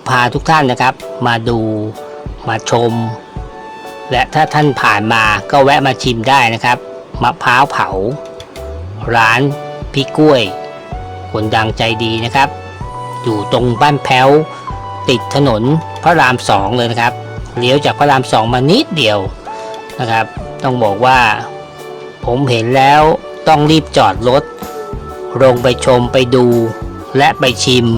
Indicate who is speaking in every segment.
Speaker 1: พาทุกท่านนะครับมาดูมาชมและถ้าท่านผ่านมาก็แวะมาชิมได้นะครับมะพร้าวเผาร้านพี่กล้วยคนดังใจดีนะครับอยู่ตรงบ้านแพ้วติดถนนพระราม2เลยนะครับเลี้ยวจากพระราม2มานิดเดียวนะครับต้องบอกว่าผมเห็นแล้วต้องรีบจอดรถลงไปชมไปดูและไปชิม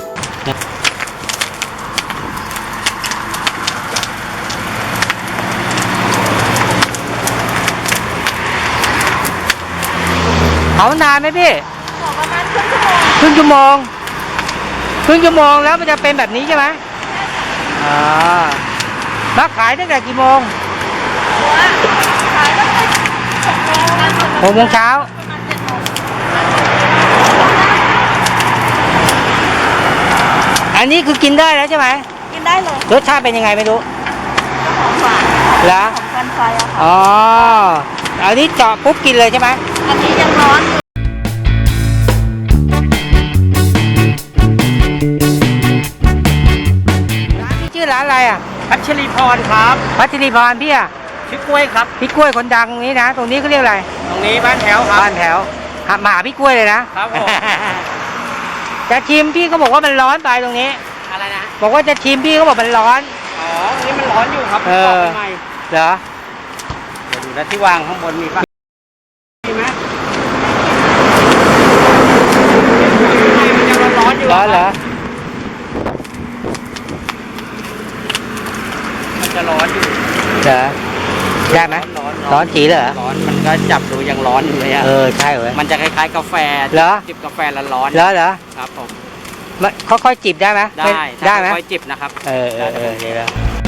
Speaker 1: เผานานไหมพี่
Speaker 2: ประมาณครึ่งชั่วโมง
Speaker 1: แล้วมันจะเป็นแบบนี้ใช่ไหมมาขายตั้งแต่กี่โมง
Speaker 2: ขายตั้งแต่
Speaker 1: 6 โมงเช้าอันนี้คือกินได้แล้วใช่ไหม
Speaker 2: กินได้เลย
Speaker 1: รสชาติเป็นยังไงไม่รู้
Speaker 2: หอมหวาน
Speaker 1: แล้ว
Speaker 2: หอมกันไฟอะค่ะ
Speaker 1: อ๋ออันนี้เจาะปุ๊บกินเลยใช่ไหม
Speaker 2: อันนี้ยังร้อน
Speaker 1: ร้านนี้ชื่อร้านอะไรอ่ะ
Speaker 3: พัชรีพรครับ
Speaker 1: พัชรีพรพี่อ่ะ
Speaker 3: ชื่อกล้วยครับ
Speaker 1: พี่กล้วยคนดังนี้นะตรงนี้เขาเรียกอะไร
Speaker 3: ตรงนี้บ้านแถวครับ
Speaker 1: บ้านแถวมาหาพี่กล้วยเลยนะครับ
Speaker 3: ผม
Speaker 1: จะชิมพี่เขาบอกว่ามันร้อนไปตรงนี้
Speaker 3: อะไรนะ
Speaker 1: บอกว่าจะชิมพี่เขาบอกมันร้อน
Speaker 3: อ๋อนี่มันร้อนอยู่ครับ
Speaker 1: บอก
Speaker 3: ใหม่
Speaker 1: เหรอ
Speaker 3: เดี๋ยวดูนะที่วางข้างบนมีป่ะมีไหมมันยังร้อนอยู่
Speaker 1: ร้อนเหรอ
Speaker 3: มันจะร้อนอยู่
Speaker 1: เหรอได้ไหมร้อนจีเลยเหรอ
Speaker 3: ร้อนมันก็จับดูยังร้อนอยู่เลยอ่ะ
Speaker 1: ใช่เหรอ
Speaker 3: มันจะคล้ายๆกาแฟ
Speaker 1: เหรอ
Speaker 3: จิบกาแฟร้อน
Speaker 1: เหรอ
Speaker 3: ครับผม
Speaker 1: ค่อยๆจิบได้ไหม
Speaker 3: ได้ไหมค่อยจิบนะครับ
Speaker 1: เดี๋ยว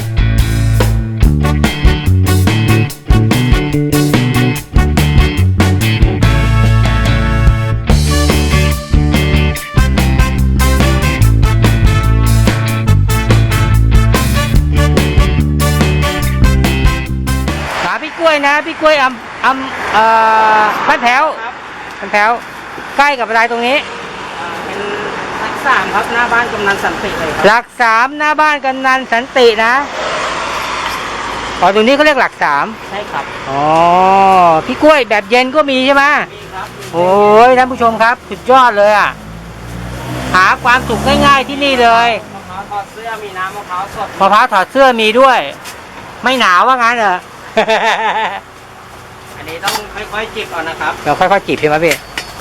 Speaker 1: พี่กล้วยนะพี่กล้วยบ้านแถวใกล้กับอะไรตรงนี้
Speaker 3: เป็นหลัก 3ครับหน้าบ้านกำนันสันติเลยครับ
Speaker 1: หลัก 3หน้าบ้านกำนันสันตินะตรงนี้เขาเรียกหลัก 3
Speaker 3: ใช่ครับ
Speaker 1: อ๋อพี่กล้วยแบบเย็นก็มีใช่ไหม
Speaker 3: มีครับ
Speaker 1: โอ้ยท่านผู้ชมครับสุดยอดเลยอ่ะหาความสุขง่ายๆที่นี่เลย
Speaker 3: มะพร้าวถอดเสื้อมีน้ำมะพร้าวสด
Speaker 1: มะพร้าวถอดเสื้อมีด้วยไม่หนาวว่างั้นเหรอ
Speaker 3: อันนี้ต้องค่อยๆจิบเอานะครับ
Speaker 1: เราค่อยๆจิบใช่ไหมพี่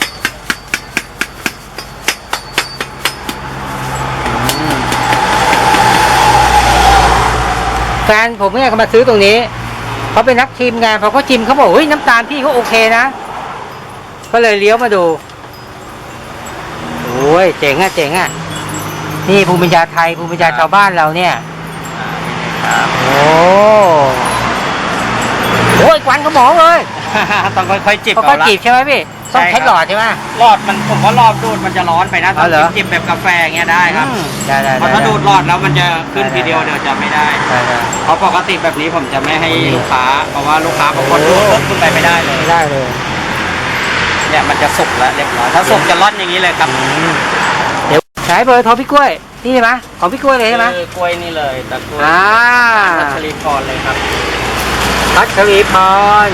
Speaker 1: แฟนผมเนี่ยเขามาซื้อตรงนี้เขาเป็นนักชิมไงพอเขาชิมเขาบอกเฮ้ยน้ำตาลพี่เขาโอเคนะก็เลยเลี้ยวมาดูโอ้ยเจ๋งอ่ะนี่ภูมิปัญญาไทยภูมิปัญญาชาวบ้านเราเนี่ยโอ้ยควันขโมงเลย
Speaker 3: ต้องค่อยๆจิบ
Speaker 1: ค่อยๆจิบใช่ไหมพี่ต้องใช้หลอดใช่ไหม
Speaker 3: หลอดมันผมว่าหลอดดูดมันจะร้อนไปนะต้องจิบแบบกาแฟเงี้ยได้ครับ
Speaker 1: ได้
Speaker 3: เพราะถ้าดูดหลอดแล้วมันจะขึ้นทีเดียวเดี๋ยวจะไม่ได้เพราะปกติแบบนี้ผมจะไม่ให้ลูกค้าเพราะว่าลูกค้าบางคนดูดขึ้นไปไม่ได้เลยเนี่ยมันจะสุกแล้วเรียบร้อยถ้าสุกจะร่อนอย่างนี้เลยครับ
Speaker 1: เดี๋ยวใช้เบอร์โทรพี่กล้วยนี่ใช่ไหมของพี่กล้วยเลยใช่ไหม
Speaker 3: กล้วยนี่เลยตะกล้วยพัชรีพรเลยครับ
Speaker 1: พัชรีพร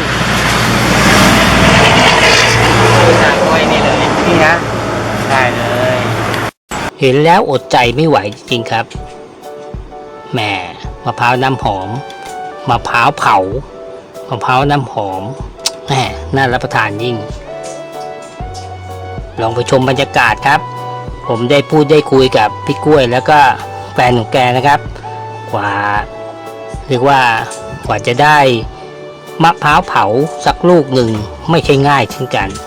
Speaker 3: กล้วยนี่เลย
Speaker 1: นี่นะ
Speaker 3: ได้เลย
Speaker 1: เห็นแล้วอดใจไม่ไหวจริงๆครับแหมมะพร้าวน้ำหอมมะพร้าวเผามะพร้าวน้ำหอมแหมน่ารับประทานยิ่งลองไปชมบรรยากาศครับผมได้พูดได้คุยกับพี่กล้วยแล้วก็แฟนของแกนะครับเรียกว่ากว่าจะได้มะพร้าวเผาสักลูกหนึ่งไม่ใช่ง่ายเช่นกัน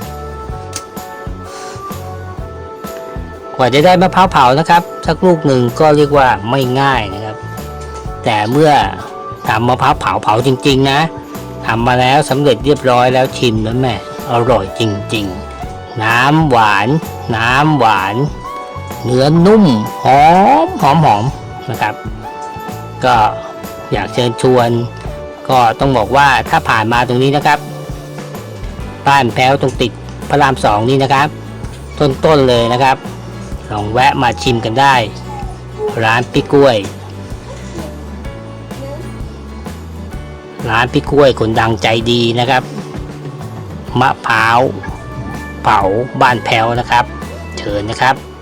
Speaker 1: กว่าจะได้มะพร้าวเผานะครับสักลูกหนึ่งก็เรียกว่าไม่ง่ายนะครับแต่เมื่อทำมะพร้าวเผาจริงๆนะทำมาแล้วสำเร็จเรียบร้อยแล้วชิมแล้วแม่อร่อยจริงๆน้ำหวานเนื้อนุ่มหอมนะครับก็อยากเชิญชวนก็ต้องบอกว่าถ้าผ่านมาตรงนี้นะครับบ้านแพ้วตรงติดพระราม 2นี่นะครับต้นเลยนะครับลองแวะมาชิมกันได้ร้านพี่กล้วย ร้านพี่กล้วยคนดังใจดีนะครับ มะพร้าวเผาบ้านแพ้วนะครับ เชิญนะครับ